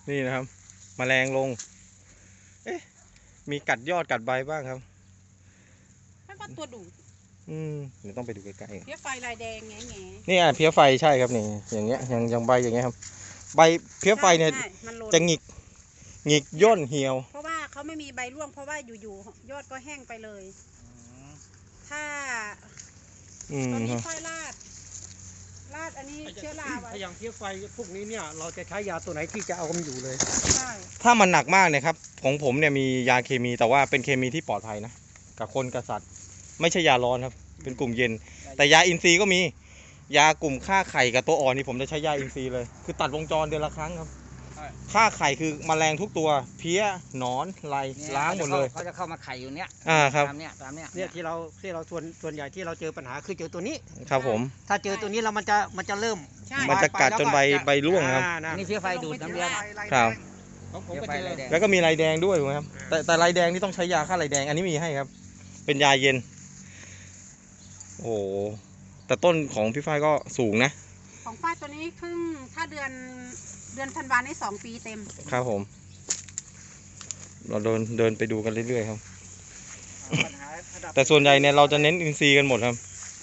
นี่นะครับแมลงลงมีกัดยอดกัดใบบ้างครับนั่นก็ตัวดูดเดี๋ยวต้องไปดูใกล้ๆเพี้ยไฟลายแดงแง่ๆนี่เพี้ยไฟใช่ครับนี่อย่างเงี้ยอย่างใบอย่างเงี้ยครับใบเพี้ยไฟเนี่ยจะหงิกย่นเหี่ยวเพราะว่าเขาไม่มีใบร่วงเพราะว่าอยู่ๆยอดก็แห้งไปเลยถ้าตอนนี้ค่อยลาดอันนี้เชื้อราไว้อย่างเพี้ยไฟพวกนี้เนี่ยเราจะใช้ยาตัวไหนที่จะเอามันอยู่เลยใช่ถ้ามันหนักมากเนี่ยครับของผมเนี่ยมียาเคมีแต่ว่าเป็นเคมีที่ปลอดภัยนะกับคนกับสัตว์ไม่ใช่ยาร้อนครับเป็นกลุ่มเย็นแต่ยาอินทรีย์ก็มียากลุ่มฆ่าไข่กับตัวอ่อนนี่ผมจะใช้ยาอินทรีย์เลยคือตัดวงจรเดือนละครั้งครับฆ่าไข่คือแมลงทุกตัวเพี้ยหนอนไรล้างหมดเลยเขาจะเข้ามาไข่อยู่เนี้ยครับตามเนี้ยที่เราส่วนใหญ่ที่เราเจอปัญหาคือเจอตัวนี้ครับผมถ้าเจอตัวนี้แล้วมันจะเริ่มมันจะกัดจนใบร่วงครับนี่เพี้ยไฟดูดน้ำเลี้ยงครับแล้วก็มีลายแดงด้วยถูกไหมครับแต่ลายแดงนี่ต้องใช้ยาฆ่าลายแดงอันนี้มีให้ครับเป็นยาเย็นโอ้แต่ต้นของพี่ฝ้ายก็สูงนะของฝ้ายตัวนี้ครึ่งถ้าเดือนธันวาคมนี้2 ปีเต็มครับผมเราเดินไปดูกันเรื่อยๆครับแต่ส่วนใหญ่เนี่ยเราจะเน้นอินทรีย์กันหมดครับ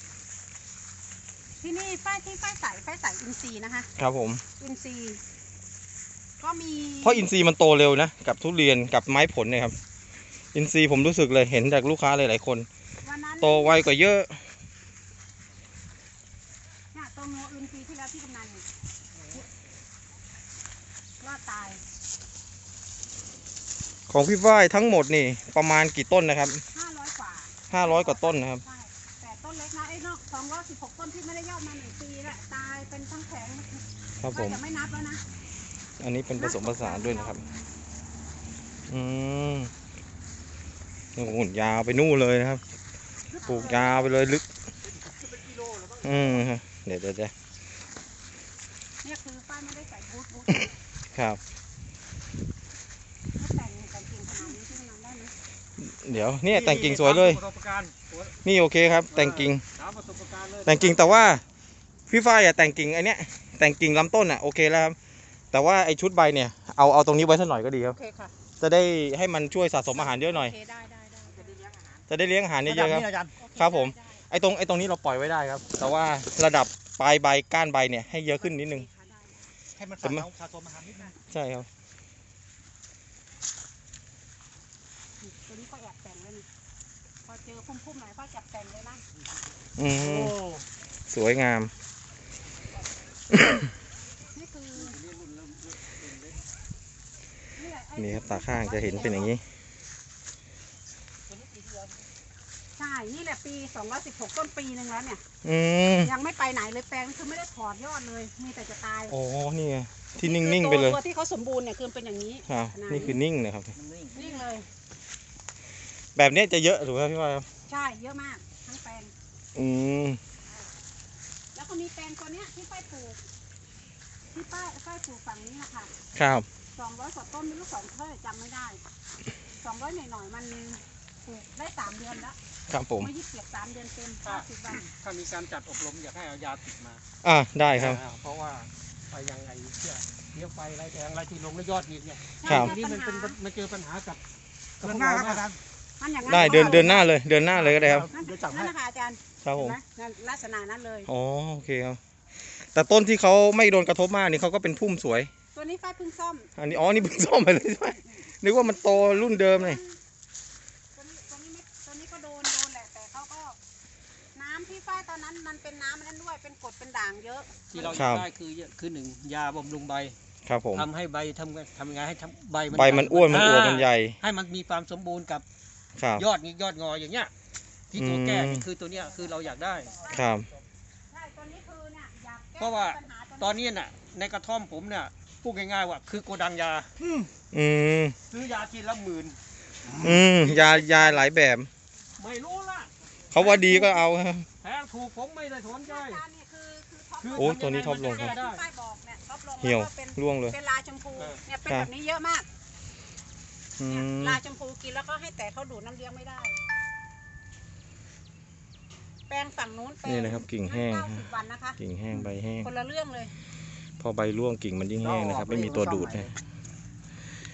ที่นี่ฝ้ายใส่อินทรีย์นะคะครับผมอินทรีย์ก็มีเพราะอินทรีย์มันโตเร็วนะกับทุเรียนกับไม้ผลเนี่ยครับอินทรีย์ผมรู้สึกเลยเห็นจากลูกค้าหลายๆคนโตไวกว่าเยอะเนี่ยตัวงูอินทรีย์ที่แล้วที่กำนันรอดตายของพี่ฝ้ายทั้งหมดนี่ประมาณกี่ต้นนะครับ 500 กว่า 500 กว่าต้นนะครับแต่ต้นเล็กนะนอก216 ต้นที่ไม่ได้ยอดมา1 ปีแล้วตายเป็นทั้งแผงครับผมจะไม่นับแล้วนะอันนี้เป็นผสมผสานด้วยนะครับโอ้โหยาวไปนู่นเลยนะครับปลูกยาวไปเลยลึกเดี๋ยวเนี่ยคือป้าไม่ได้ใส่บูทครับแต่งกิ่งขนาดนี้ที่มันได้ไหมเดี๋ยวเนี่ยแต่งกิ่งสวยเลยนี่โอเคครับแต่งกิ่งแต่ว่าพี่ฝ้ายแต่งกิ่งไอเนี้ยแต่งกิ่งลำต้นโอเคแล้วครับแต่ว่าไอชุดใบเนี่ยเอาตรงนี้ไว้สักหน่อยก็ดีครับจะได้ให้มันช่วยสะสมอาหารเยอะหน่อยจะได้เลี้ยงอาหารเยอะๆครับครับผมไอตรงนี้เราปล่อยไว้ได้ครับแต่ว่าระดับปลายใบก้านใบเนี่ยให้เยอะขึ้นนิดนึงให้มันสะสมอาหารนิดนึงใช่ครับตัวนี้ก็แอบแต่งเลยพอเจอพุ่มๆหน่อยก็จับแต่งเลยนะสวยงามนี่ครับตาข้างจะเห็นเป็นอย่างนี้ใช่นี่แหละปี216 ต้นปีนึงแล้วเนี่ยยังไม่ไปไหนเลยแปลงคือไม่ได้ถอดยอดเลยมีแต่จะตายอ๋อนี่ไงที่นิ่งๆไปเลยตัวที่เขาสมบูรณ์เนี่ยคือเป็นอย่างนี้นี่คือนิ่งนะครับนิ่งเลยแบบนี้จะเยอะถูกไหมพี่ว่าใช่เยอะมากทั้งแปลงแล้วก็มีแปลงตัวเนี้ยที่ป้ายปลูกฝั่งนี้นะคะครับ 200 กว่าต้นไม่รู้2 เท่าจำไม่ได้200หน่อยๆมันปลูกได้3 เดือนแล้วครับผมไม่ยึดเก็บ3 เดือนเต็ม50 วันถ้ามีการจัดอบรมอยากให้เอายาติดมาได้ครับเพราะว่าไปยังไงเลี้ยงไฟไรแดงไรที่ลงแล้วยอดหินเนี่ยนี่มันเจอปัญหากับหน้าครับอาจารย์ได้เดินหน้าเลยก็ได้ครับนั่นนะคะอาจารย์ครับผมลักษณะนั้นเลยอ๋อโอเคครับแต่ต้นที่เขาไม่โดนกระทบมากนี่เขาก็เป็นพุ่มสวยตัวนี้ฝ้ายเพิ่งซ่อมอันนี้นี่เพิ่งซ่อมไปเลยใช่ไหมนึกว่ามันโตรุ่นเดิมเลยตัวนี้ก็โดนแหละแต่เขาก็น้ำที่ฝ้ายตอนนั้นมันเป็นน้ำนั้นด้วยเป็นกรดเป็นด่างเยอะที่เราได้คือ1 ยาบำรุงใบครับผมทำให้ใบทำยังไงให้ใบมันอ้วนมันอวบมันใหญ่ให้มันมีความสมบูรณ์กับยอดงออย่างเงี้ยที่ตัวแก้นี่คือตัวเนี้ยคือเราอยากได้ครับเพราะว่าตอนนี้น่ะในกระท่อมผมเนี่ยพูดง่ายๆว่าคือโกดังยาซื้อยาทีละ10,000 ยาหลายแบบไม่รู้ละเขาว่าดีก็เอาแพงถูกผมไม่ได้สนใจโอ้ตัวนี้ท็อปลงครับเหี่ยวร่วงเลยเป็นลาชมพูเนี่ยเป็นแบบนี้เยอะมากลาชมพูกินแล้วก็ให้แต่เขาดูดน้ำเลี้ยงไม่ได้แปลงฝั่งนู้นนี่นะครับกิ่งแห้ง 90 วันนะคะกิ่งแห้งใบแห้งคนละเรื่องเลยพอใบร่วงกิ่งมันยิ่งแห้งนะครับไม่มีตัวดูดนะ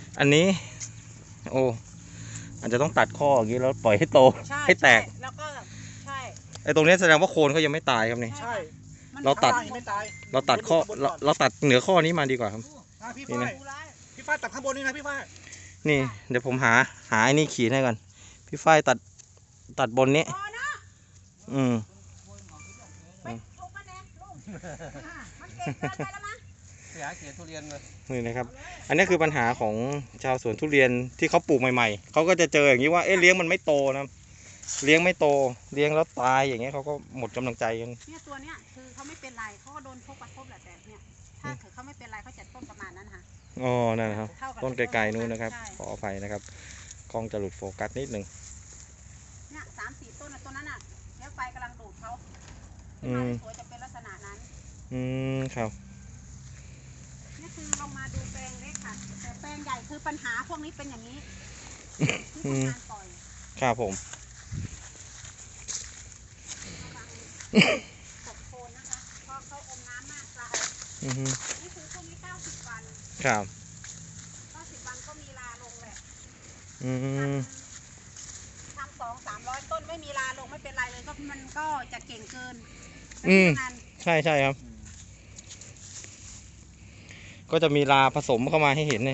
อันนี้โอ้อาจจะต้องตัดข้ออย่างนี้แล้วปล่อยให้โตใช่ให้แตกใช่แล้วก็ใช่ไอ้ตรงนี้แสดงว่าโคนเขายังไม่ตายครับนี่ใช่มันเราตัดข้งบนไม่ตายเราตัดข้อเราตัดเหนือข้อนี้มาดีกว่าครับพี่นี่ฝ้านะยพี่ฝ้ายตัดข้างบนนี่นะพี่ฝ้ายนี่เดี๋ยวผมหาไอ้นี่ขีดให้ก่อนพี่ฝ้ายตัดบนนี้พอเนาะอืมไปทุบมันเองลุงมันเก่งเกินไปแล้วมั้งเสียเขียนทุเรียนเลยนี่นะครับ อันนี้คือปัญหาของชาวสวนทุเรียนที่เขาปลูกใหม่ๆเขาก็จะเจออย่างนี้ว่าเอ๊ะเลี้ยงมันไม่โตนะเลี้ยงไม่โตเลี้ยงแล้วตายอย่างเงี้ยเขาก็หมดกำลังใจกันเนี่ยตัวเนี้ยคือเขาไม่เป็นไรเขาก็โดนทุบกระทบแหละแต่เนี่ยถ้าเกิดเขาไม่เป็นไรเขาจะต้นประมาณนั้นค่ะอ๋อนั่นนะครับเท่ากับต้นไกลๆนู้นนะครับใช่ขออภัยนะครับกล้องจะหลุดโฟกัสนิดหนึ่งเนี่ย3-4 ต้นนะต้นนั้นอ่ะแล้วไฟกำลังดูดเขาอืขึ้นมาม สวยจะเป็นลักษณะนั้นอืมครับนี่คือลงมาดูแปลงเล็กค่ะ แต่แปลงใหญ่คือปัญหาพวกนี้เป็นอย่างนี้ที่ทำงานปล่อยครับผมตกโคนนะคะเพราะเขาอมน้ำมากตายอือฮึนี่คือพวกนี้90 วันครับ 90 วันก็มีลาลงแหละอืมทำ200-300 ต้นไม่มีลาลงไม่เป็นไรเลยก็มันก็จะเก่งเกินอืมงานใช่ใช่ครับ ก็จะมีลาผสมเข้ามาให้เห็นเลย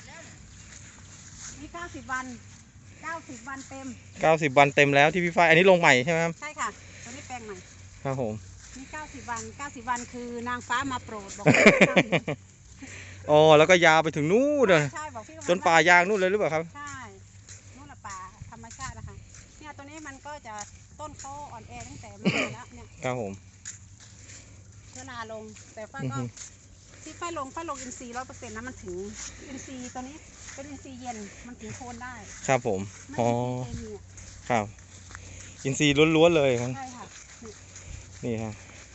นี่90 วัน90 วันเต็ม 90 วันเต็มแล้วที่พี่ฝ้ายอันนี้ลงใหม่ใช่ไหมครับใช่ค่ะตัวนี้แปลงใหม่ครับผมนี่90 วัน90 วันคือนางฟ้ามาโปรดบอกอ๋อแล้วก็ยาวไปถึงนู้นเลยใช่บอกพี่จนป่ายางนู่นเลยหรือเปล่าครับใช่นู่นละป่าธรรมชาตินะคะเนี่ยตัวนี้มันก็จะต้นเขาอ่อนแอตั้งแต่มาแล้วเนี่ยครับผมเชื้อราลงแต่ฝ้าอือก็ฮึที่ฝ้าลงอินทรีย์100%นะมันถึงอินทรีย์ตัวนี้เป็นอินทรีย์เย็นมันถึงโคนได้ครับผมไม่อ๋ออินทรีย์เคมีอะครับ อินทรีย์ล้วนๆเลยครับใช่ค่ะนี่ครับ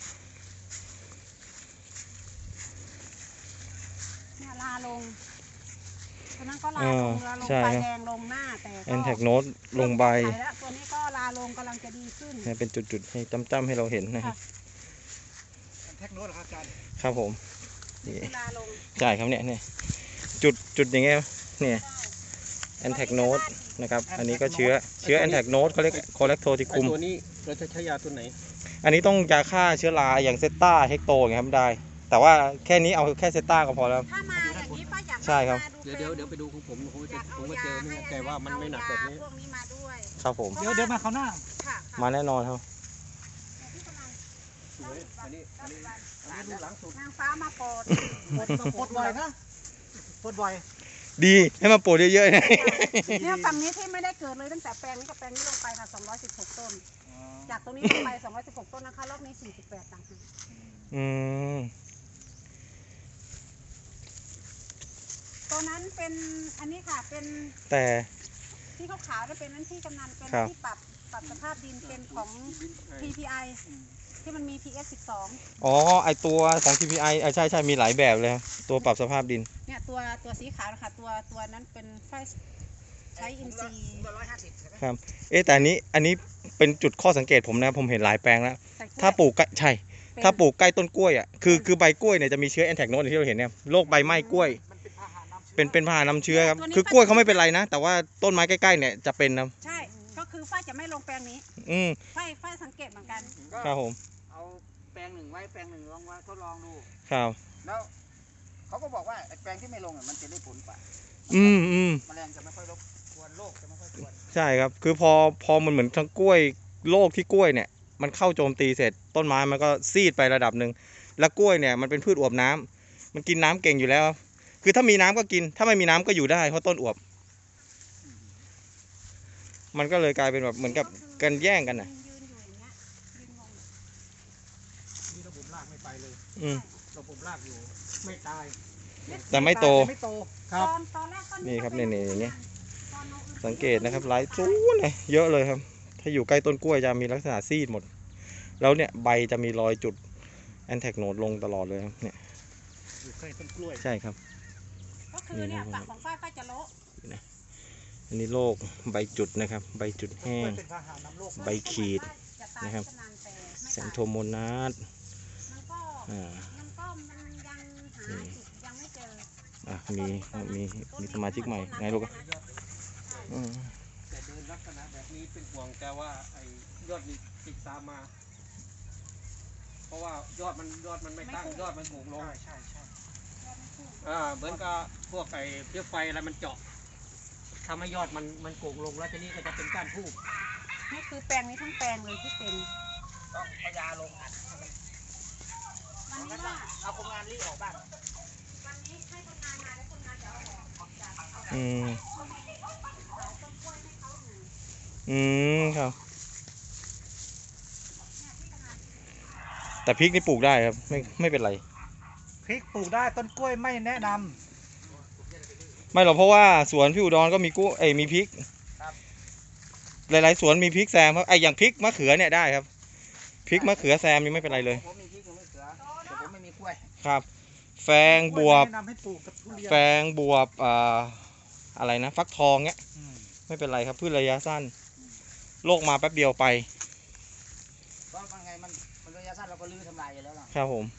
เนี่ยลาลงตัวนั้นก็ลาอ๋ลองลาลงใช่ใบครับแดงลงหน้าแต่ก็แอนแทกโนตลงใบเริ่มแก้ไขแล้วตัวนี้ก็ลาลงกำลังจะดีขึ้นเนี่ยเป็นจุดๆให้จ้ำๆให้เราเห็นนะครับแท็กโน้ตเหรอครับอาจารย์ครับผมนี่คือลาลงใช่ครับเนี่ยจุดอย่างเงี้ยเนี่ยแอนแทกโนตนะครับ อันนี้ก็เชื้อแอนแทกโนตเขาเรียกคอเลกโทติคุมตัวนี้เราจะใช้ยาตัวไหนอันนี้ต้องยาฆ่าเชื้อราอย่างเซตต้าเฮกโตอย่างเงี้ยครับได้ แต่ว่าแค่นี้เอาแค่เซตต้าก็พอแล้วถ้ามาอย่างนี้ป้าอยากใช่ครับมาเดี๋ยวไปดูของผมผมอจะยากผมเอาก็เจยาอให้แต่ว่ามันไม่หนักแบบนี้พวกนี้มาด้วยครับผมเดี๋ยวมาเขาวหน้าค่ะค่ะมาแน่นอนครับที่ประมาณสวยอันนี้ดูหลังสุดนางฟ้ามาโปรดปลดบ่อยนะปลดบ่อยดีให้มาปลูกเยอะๆนะเนี่ยฝั่งนี้ที่ไม่ได้เกิดเลยตั้งแต่แปลงนี้กับแปลงนี้ลงไปค่ะ216 ต้น จากตรงนี้ลงไป216 ต้นนะคะรอบนี้48ต่างหากอืมตัวนั้นเป็นอันนี้ค่ะเป็นแต่ที่ขาวๆนั่นเป็นนั้นที่กำนันเป็นครับที่ปรับสภาพดินเป็นของ PPI ที่มันมี PS 12 อ๋อไอตัวของ TPI ใช่มีหลายแบบเลยครับตัวปรับสภาพดินเนี่ยตัวสีขาวนะคะตัวนั้นเป็นไฟใช้อินทรีย์ครับ แต่อันนี้เป็นจุดข้อสังเกตผมนะผมเห็นหลายแปลงแล้วแต่กล้วยถ้าปลูกใกล้ใช่เป็นถ้าปลูกใกล้ต้นกล้วยอ่ะคือใบกล้วยเนี่ยจะมีเชื้อแอนแทกโนตที่เราเห็นเนี่ยโรคใบไหม้กล้วย เป็นพาหะนำเชื้อครับคือกล้วยเขาไม่เป็นไรนะ แต่ว่าต้นไม้ใกล้ๆเนี่ยจะเป็นนะใช่ก็คือฝ้ายจะไม่ลงแปลงนี้อืมฝ้ายสังเกตเหมือนกันครับผมเอาแปลงหนึ่งไว้แปลงหนึ่งลองไว้ทดลองดูครับแล้วเขาก็บอกว่าไอ้แปลงที่ไม่ลงมันจะได้ผลกว่าอืมแมลงจะไม่ค่อยรบกวนโรคจะไม่ค่อยกวนใช่ครับ คือพอมันเหมือนทั้งกล้วยโรคที่กล้วยเนี่ยมันเข้าโจมตีเสร็จต้นไม้มันก็ซีดไประดับหนึ่งแล้วกล้วยเนี่ยมันเป็นพืชอวบน้ำมันกินน้ำเก่งอยู่แล้ว คือถ้ามีน้ำก็กิน ถ้าไม่มีน้ำก็อยู่ได้เพราะต้นอวบ มันก็เลยกลายเป็นแบบเหมือนกับกันแย่งกันน่ะยืนอยู่อย่างเงี้ยยืนงงนี่ระบบรากไม่ไปเลยอืมระบบรากอยู่ไม่ตายแต่ไม่โตไม่โตครับตอนแรกต้นนี่ครับก็ป็นี่อย่างเงี้ยตอนน้องสังเกตนะครับหลายสูงเลยเยอะเลยครับ ถ้าอยู่ใกล้ต้นกล้วยจะมีลักษณะซีดหมด แล้วเนี่ยใบจะมีรอยจุดแอนแทกโนดลงตลอดเลยครับเนี่ยอยู่ใกล้ต้นกล้วยใช่ครับก็คือเนี่ยฝั่งของฝ้ายจะโละอันนี้โรคใบจุดนะครับ ใบจุดแห้งเป็นพาหะนำโรคใบขีดจะตายนะครับจะนานแต่ไม่แซตายนโทโมนาสมันก็อ่ามันยังหาจุดยังไม่เจอมีสมาชิกใหม่ไงลูกอืมแต่เดินลักษณะแบบนี้เป็นห่วงแต่ว่าไอ้ยอดนี่ติดตามมา เพราะว่ายอดมันไม่ตั้งยอดมันโก่งลงใช่เหมือนกับพวกไอ้เพี้ยไฟอะไรมันเจาะทำให้ยอดมันโก่งลงแล้วทีนี้ก็จะเป็นก้านทูบนี่คือแปลงนี้ทั้งแปลงเลยที่เป็นต้องเอายาลงอัดวันนี้ว่าเอาคนงานรีบออกบ้านวันนี้ให้คนงานมาแล้วคนงานจะเอาออกจากอืมต้นกล้วยให้เขาอยู่อืมครับ แต่พริกนี่ปลูกได้ครับไม่เป็นไรพริกปลูกได้ต้นกล้วยไม่แนะนำไม่หรอกเพราะว่าสวนพี่อุดรก็มีกุ้งมีพริกหลายๆสวนมีพริกแซมครับอย่างพริกมะเขือเนี่ยได้ครับพริกมะเขือแซมนี่ไม่เป็นไรเลยผมมีพริกผมมีเขือแต่ผมไม่มีกล้วยครับ แฟงบวบแนะนำให้ปลูกกับทุเรียนแฟงบวบอะไรนะฟักทองเนี้ยอืมไม่เป็นไรครับพืชระยะสั้นโรคมาแป๊บเดียวไปเพราะมันไงมันระยะสั้นเราก็ลื้อทำลายอยู่แล้วล่ะครับผม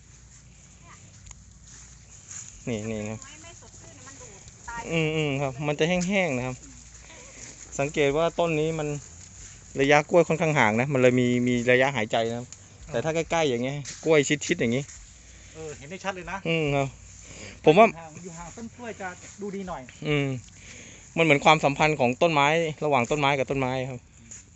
นี่ครับไม่สดชื่นมันดูดตายครับ มันจะแห้งๆนะครับ สังเกตว่าต้นนี้มันระยะกล้วยค่อนข้างห่างนะ มันเลยมีระยะหายใจนะครับ แต่ถ้าใกล้ๆอย่างเงี้ยกล้วยชิดๆอย่างงี้เห็นได้ชัดเลยนะครับ ผมว่าอยู่ห่างต้นกล้วยจะดูดีหน่อยมันเหมือนความสัมพันธ์ของต้นไม้ระหว่างต้นไม้กับต้นไม้ครับ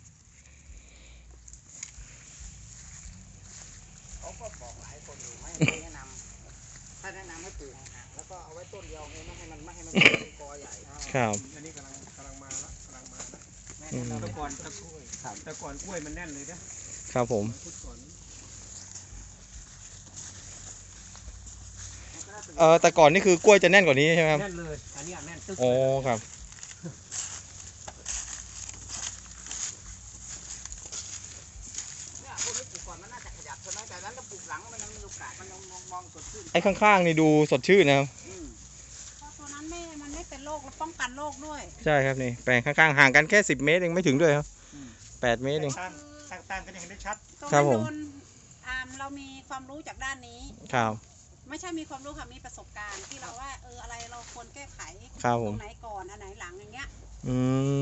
เขาก็บอกหลายคนอยู่ไม่แนะนำถ้าแนะนำให้ปลูกห่างๆแล้วก็เอาไว้ต้นเดียวไงไม่ให้มันเป็นกอใหญ่ครับอันนี้กำลังมาละนะอืมแต่ก่อนกล้วยมันแน่นเลยนะครับผมพุทธก่อนแต่ก่อนนี่คือกล้วยจะแน่นกว่านี้ใช่ไหมครับแน่นเลยอันนี้แน่นตึ๊กโอ้ครับเนี่ยพวกนี้ปลูกก่อนมันน่าจะขยับใช่ไหมแต่นั้นถ้าปลูกหลังมันยังมีโอกาสมันยังมองสดชื่นไอ้ข้างๆนี่ดูสดชื่นนะครับเพราะตัวนั้นมันไม่เป็นโรคแล้วป้องกันโรคด้วยใช่ครับนี่แปลงข้างๆห่างกันแค่10 เมตรเองไม่ถึงด้วยครับ8 เมตรเองต่างกันยังเห็นได้ชัดตรงครันั้บนผมโดนเรามีความรู้จากด้านนี้ครับไม่ใช่มีความรู้ค่ะมีประสบการณ์ที่เราว่าอะไรเราควรแก้ไขครับผตรมงไหนก่อนอันไหนหลังอย่างเงี้ยอืม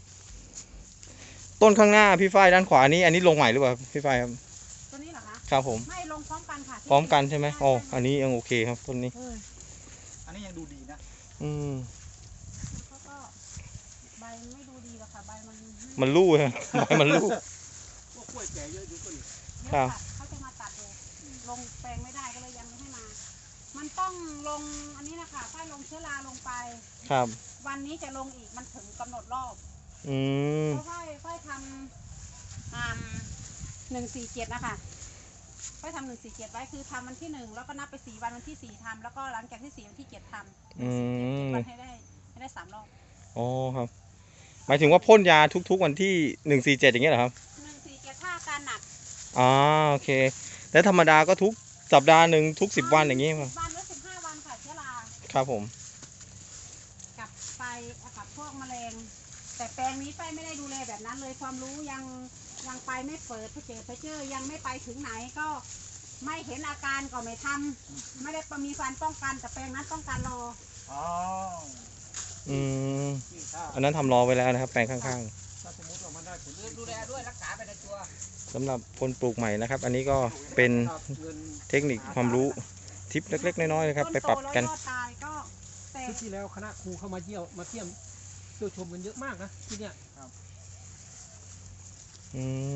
ต้นข้างหน้าพี่ฝ้ายด้านขวาอันนี้ลงใหม่หรือเปล่าพี่ฝ้ายครับตัวนี้เหรอคะครับผมไม่ลงพร้อมกันค่ะพร้อมกันใช่ไหมอ๋ออันนี้ยังโอเคครับต้นนี้อันนี้ยังดูดีนะอืมเขาก็ใบไม่ดูดีหรอกค่ะใบมันมันลู่ครับใบมันลู่พวกกล้วยแก่เยอะอยู่ต้นเยครัอะบค่ะเขาจะมาตัดดูลงแปลงไม่ได้ก็เลยยังไม่ให้มา มันต้องลงอันนี้นะคะค่อยลงเชื้อราลงไปครับวันนี้จะลงอีกมันถึงกำหนดรอบอืมเพราะค่อยทำ147นะคะค่อยทำ147ไว้คือทำวันที่1แล้วก็นับไป4 วันวันที่4ทำแล้วก็หลังจากที่4วันที่7ทำอืมวันให้ได้3 รอบอ๋อครับ หมายถึงว่าพ่นยาทุกๆวันที่147อย่างเงี้ยเหรอครับ 147ถ้าอาการหนักอ๋อโอเคแต่ธรรมดาก็ทุกสัปดาห์หนึ่งทุก10 วันอย่างงี้ครับ 10 วันหรือ15 วันค่ะเชื้อราครับผมกับไฟกับพวกแมลง แต่แปลงนี้ไฟไม่ได้ดูแลแบบนั้นเลยความรู้ยังไปไม่เปิดเพเจอยังไม่ไปถึงไหนก็ไม่เห็นอาการก็ไม่ทำไม่ได้มีการป้องกันแต่แปลงนั้นต้องการรออ๋ออืมอันนั้นทำรอไว้แล้วนะครับ แปลงข้างถ้าสมมติว่ามันได้ผลดูแลด้วยรักษาไปในตัวๆสำหรับคนปลูกใหม่นะครับ อันนี้ก็เป็นเงินเทคนิคความรู้ทิปเล็กๆน้อยๆนะครับ ไปปรับกันต้โตแล้วยอดตายก็แต่ชุดที่แล้วคณะครูเข้ามาเที่ยวมาเที่ยวชมกันเยอะมากนะที่เนี่ยอืม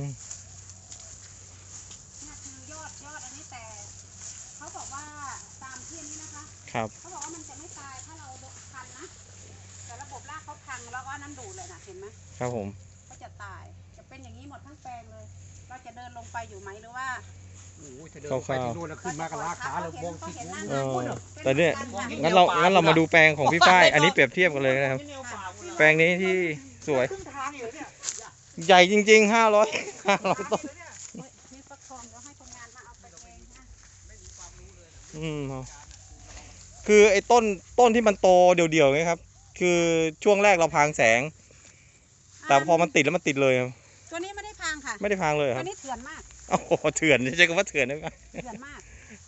เนี่ยคือยอดอันนี้แต่เขาบอกว่าตามที่นี้นะคะครับเขาบอกว่ามันจะไม่ตายถ้าเราพันนะแต่ระบบรากเขาพังแล้วก็น้ำดูดเลยนะเห็นไหมครับผมก็จะตายจะเป็นอย่างนี้หมดทั้งแปลงเลย เราจะเดินลงไปอยู่ไหมหรือว่าโอ้โหจะเดินไปที่โน่นแล้วขึ้นมากับลาขาเลยมองที่เออแต่เนี่ยงั้นเรามาดูแปลงของพี่ฝ้ายอันนี้เปรียบเทียบกันเลยนะครับ แปลงนี้ที่สวยครึ่งทางอยู่เนี่ยใหญ่จริงๆ500ต้นมีฟักทองเดี๋ยวให้คนงานมาเอาไปเองนะครับคือไอ้ต้นที่มันโตเดี่ยวๆไงครับ คือช่วงแรกเราพรางแสง แต่พอมันติดแล้วมันติดเลยครับตัวนี้ไม่ได้พังค่ะไม่ได้พรางเลยคตัรัวบนี้เถื่อนมากโอ้โหเถื่อนใช้คำว่าเถื่อนได้ไหมเถื่อนมาก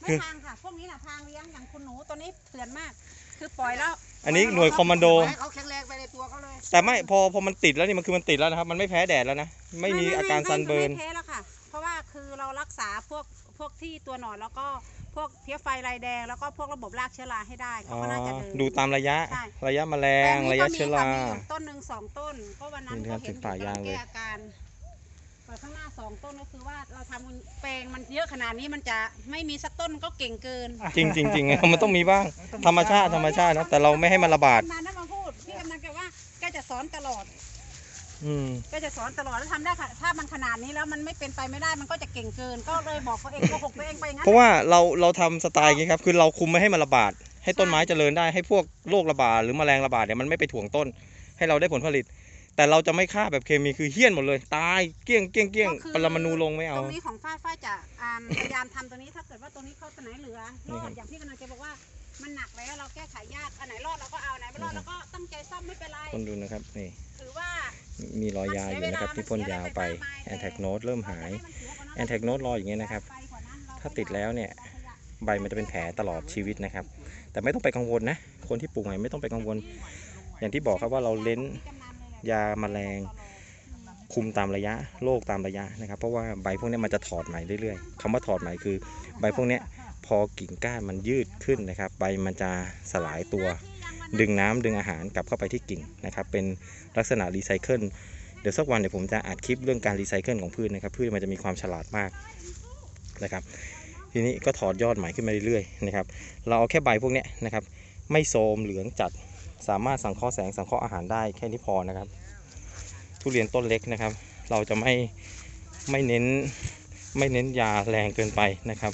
ไม่พังค่ะพวกนี้น่ะพังเลี้ยงอย่างคุณหนูตัวนี้เถื่อนมาก คือปล่อยแล้วอันนี้หน่วยคอมมานโดให้เขาแข็งแรงไปในตัวเขาเลยแต่ไม่พอมันติดแล้วนี่มันคือมันติดแล้วนะครับมันไม่แพ้แดดแล้วนะไม่มีอาการซันเบิร์นไม่แพ้แล้วค่ะ เพราะว่าคือเรารักษาพวกที่ตัวหนอนแล้วก็พวกเพี้ยไฟลายแดงแล้วก็พวกระบบรากเชื้อราให้ได้เขาก็น่าจะเดินดูตามระยะใช่ระยะแมลงระยะเชื้อรามีอยู่ต้นหนึ่ง2 ต้นก็วันนั้นนี่คก็รับเห็นถึงป่ายางเลยแก้อาการเปิดข้างหน้า2 ต้นก็คือว่าเราทำแปลงมันเยอะขนาดนี้มันจะไม่มีสักต้นก็เก่งเกินจริงมันต้องมีบ้างธรรมชาตินะแต่เราไม่ให้มันระบาดมานะมาพูดพี่กำนันแกว่าแกจะสอนตลอดอืมก็จะสอนตลอดแล้วทำได้ค่ะถ้ามันขนาดนี้แล้วมันไม่เป็นไปไม่ได้มันก็จะเก่งเกิน ก็เลยบอกตัวเองโกหกตัวเองไปงั้นเพราะว่าเราทำสไตล์อย่างนี้ครับคือเราคุมไม่ให้มันระบาด ให้ต้นไม้เจริญได้ให้พวกโรคระบาดหรือแมลงระบาดเนี่ยมันไม่ไปถ่วงต้น ให้เราได้ผลผลิต แต่เราจะไม่ฆ่าแบบเคมีคือเหี้ยนหมดเลย ตายเกลี้ยงปรมาณูลงไม่เอาตรงนี้ของฝ้ายจะพยายามทำตัวนี้ถ้าเกิดว่าตัวนี้เขาตัวไหนเหลือรอดอย่างพี่กำนันแกบอกว่ามันหนักแล้วเราแก้ไขยากอันไหนรอดเราก็เอาอันไหนไม่รอดเราก็ตั้งใจซ่อมไม่เป็นไรคนดูนะครับนี่ถือว่ามีรอยยาอยู่นะครับที่พ่นยาวไปแอนแทกโนดเริ่มหายแอนแทกโนดรออย่างเงี้ยนะครับถ้าติดแล้วเนี่ยใบมันจะเป็นแผลตลอดชีวิตนะครับแต่ไม่ต้องไปกังวลนะคนที่ปลูกใหม่ไม่ต้องไปกังวล อย่างที่บอกครับว่าเราเล้นยาแมลงคุมตามระยะโรคตามระยะนะครับเพราะว่าใบพวกนี้มันจะถอดใหม่เรื่อยๆคำว่าถอดใหม่คือใบพวกนี้พอกิ่งก้านมันยืดขึ้นนะครับใบมันจะสลายตัวดึงน้ำดึงอาหารกลับเข้าไปที่กิ่งนะครับเป็นลักษณะรีไซเคิลเดี๋ยวสักวันเดี๋ยวผมจะอัดคลิปเรื่องการรีไซเคิลของพืชนะครับพืชมันจะมีความฉลาดมากนะครับทีนี้ก็ถอดยอดใหม่ขึ้นมาเรื่อยๆนะครับเราเอาแค่ใบพวกนี้นะครับไม่โทรมเหลืองจัดสามารถสังเคราะห์แสงสังเคราะห์อาหารได้แค่นี้พอนะครับทุเรียนต้นเล็กนะครับเราจะไม่เน้นยาแรงเกินไปนะครับ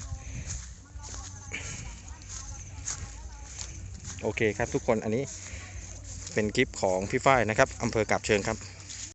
โอเคครับทุกคนอันนี้เป็นคลิปของพี่ฝ้ายนะครับอำเภอกาบเชิงครับ